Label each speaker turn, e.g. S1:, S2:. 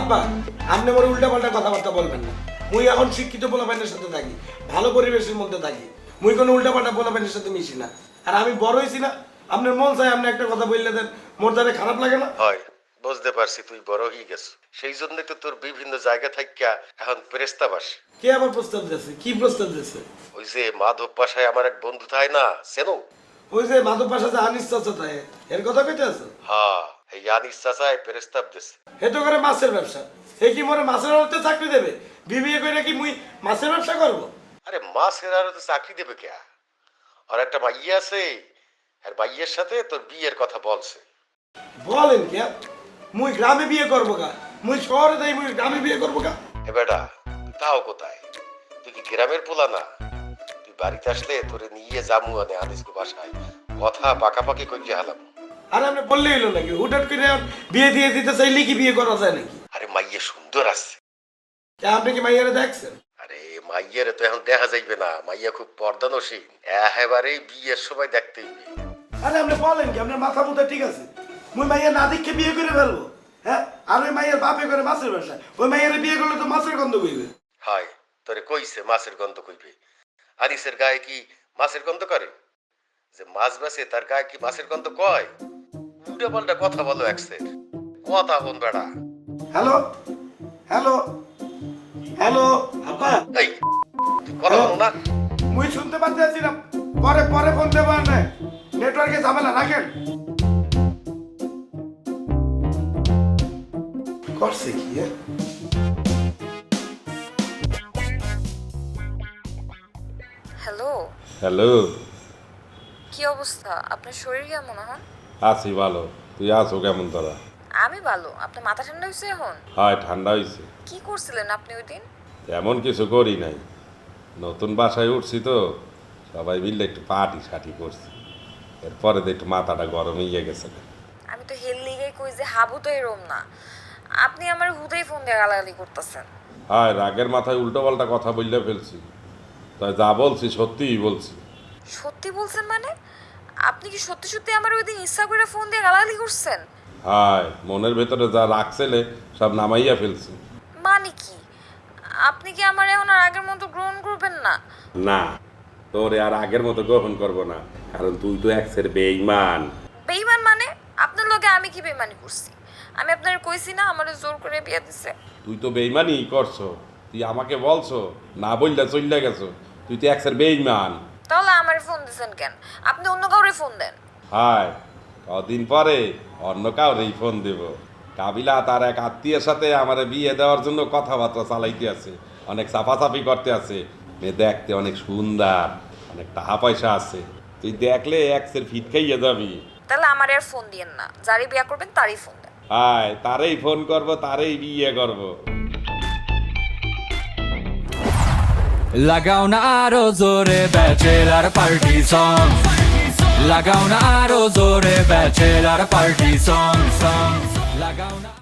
S1: আব্বা আপনি আমার উল্টা পাল্টা কথাবার্তা বলবেন না। মুই এখন শিক্ষিত পোলাপাইনের সাথে থাকি, ভালো পরিবেশের মধ্যে থাকি। মুই কোনো উল্টা পাল্টা পোলাপাইনের সাথে মিশি না। আর আমি বড় হয়েছি না, আপনার মন চাই আপনি একটা কথা বললে দেন, মোর দ্বারা খারাপ লাগে না?
S2: হয়, বুঝতে পারছি তুই বড় হয়ে গেছ, সেই জন্য তো তোর বিভিন্ন জায়গা থাকিয়া এখন প্রস্তাব আসে।
S1: কে আবার প্রস্তাব দিয়েছে? কি প্রস্তাব দিয়েছে?
S2: ওই যে মাধব পাশায় আমার এক বন্ধু থাকে না, চেনো?
S1: ওই যে মাধব পাশা যে আনিস চাচা তাই, এর কথা কইতে আছে?
S2: হ্যাঁ, এই আনিস চাচায় প্রস্তাব দিছে।
S1: হে তো করে মাছের ব্যবসা, হে কি মোরে মাছের আড়তে চাকরি দেবে? বিবিএ করে কি মুই মাছের ব্যবসা করব?
S2: আরে মাছের আরো তো চাকরি দেবে কে? আর একটা মাইয়া আছে, আর মাইয়ের সাথে তোর বিয়ের কথা বলছে।
S1: বলেন কে? মুই গ্রামে বিয়ে করবো গা, মুই শহরে যাই, মুই গ্রামে বিয়ে করবো গা?
S2: এ বেটা, তুই তাও কোথায়? তুই কি গ্রামের পোলা না? তুই বাড়িতে আসলে তোরে নিয়ে যামু আনে আনিসকে বাসায়, কথা পাকাপাকি কইতে হালাম।
S1: আরে আপনি বললেই হলো নাকি? হুটহাট করে বিয়ে দিয়ে দিতে চাইলে কি বিয়ে করা যায় নাকি?
S2: আরে মাইয়া সুন্দর আছে।
S1: কে আপনি কি মাইয়ারে দেখছেন?
S2: আরে মাইয়ারে তো এখন দেখা যাইবে না, মাইয়া খুব পর্দানসীন, একেবারেই বিয়ের সময় দেখতে হইবে।
S1: আরে আপনি বলেন কি? আপনার মাথা মুথা ঠিক আছে? মুই মাইয়া না দেখে বিয়ে করে ফেলবো? হ্যাঁ, আর ওই মাইয়ের বাপে করে মাছের ব্যবসা, ওই মাইয়ারে বিয়ে করলে তো মাছের গন্ধ কইবে।
S2: হয়, তোরে কইছে মাছের গন্ধ কইবে? আনিসের গায়ে কি মাছের গন্ধ করে? যে মাছ বেচে তার গায়ে কি মাছের গন্ধ কয়? উল্টা পাল্টা কথা বলো একসের, কথা হন বেড়া।
S1: হ্যালো হ্যালো হ্যালো আব্বা,
S2: এই তুই কথা বলো না?
S1: মুই শুনতে পাচ্ছি না, পরে পরে ফোন দেবো না, নেটওয়ার্কে ঝামেলা, রাখেন। করছে কি?
S3: হ্যালো,
S4: হ্যালো,
S3: কি অবস্থা? আপনার শরীর কেমন এখন?
S4: আছি ভালো। তুই আছো কেমন তোরা?
S3: আমি ভালো। আপনার মাথা ঠান্ডা হয়েছে এখন?
S4: হয়, ঠান্ডা হয়েছে।
S3: কি করছিলেন আপনি ওই দিন?
S4: এমন কিছু করি নাই, নতুন বাসায় উঠছি তো, সবাই মিললে একটু পার্টি সাটি করছি, এরপরে তো একটু মাথাটা গরম হয়ে গেছে।
S3: আমি তো হেল লিগে কই যে হাবু তো এরম না। আপনি আমার হুদেই ফোন দিয়ে গালাগালি করতেছেন।
S4: হয়, রাগের মাথায় উল্টো পাল্টা কথা বললে ফেলছি, তাই যা বলছি সত্যিই বলছি।
S3: সত্যি বলছেন মানে? আপনি কি সত্যি সত্যি আমার ওই দিন ইচ্ছা করে ফোন দিয়ে গালাগালি করছেন?
S4: হয়, মনের ভেতরে যা রাখছিলে সব নামাইয়া ফেলছি।
S3: মানে কি? আপনি কি আমার এখন আর আগের মতো গ্রহণ করবেন না?
S4: না, তোরে আর আগের মতো গ্রহণ করবো না, কারণ তুই তো এক্সের বেঈমান।
S3: বেইমান মানে? আপনার লগে আমি কি বেইমানি করছি? আমি আপনার কইছি না আমারে জোর করে বিয়ে দিছে?
S4: তুই তো বেইমানই করছো, তুই আমাকে বলছো, না বললে চললে গেছো, তুই তো এক্সের বেইমান।
S3: তাহলে আমার ফোন দিছেন কেন? আপনি অন্য কাউরে ফোন দেন।
S4: হায়, কদিন পরে অন্য কাউরেই ফোন দেব। কাবিলা তার এক আত্মীয়ের সাথে আমার বিয়ে দেওয়ার জন্য কথাবার্তা চালাইতে আছে, অনেক চাপাচাপি করতে আছে। মেয়ে দেখতে অনেক সুন্দর, অনেক টাকা পয়সা আছে, তুই দেখলে এক্সের ফিট খাইয়ে যাবি।
S3: তাহলে আমার আর ফোন দিয়েন না, যারই বিয়ে করবেন তারই ফোন দেন।
S4: হায়, তারেই ফোন করব, তারেই বিয়ে করব।
S5: লাগাও না আরো জোরে ব্যাচেলার পার্টি সং, লাগাও না আরো জোরে ব্যাচেলার পার্টি সং, লাগাও না।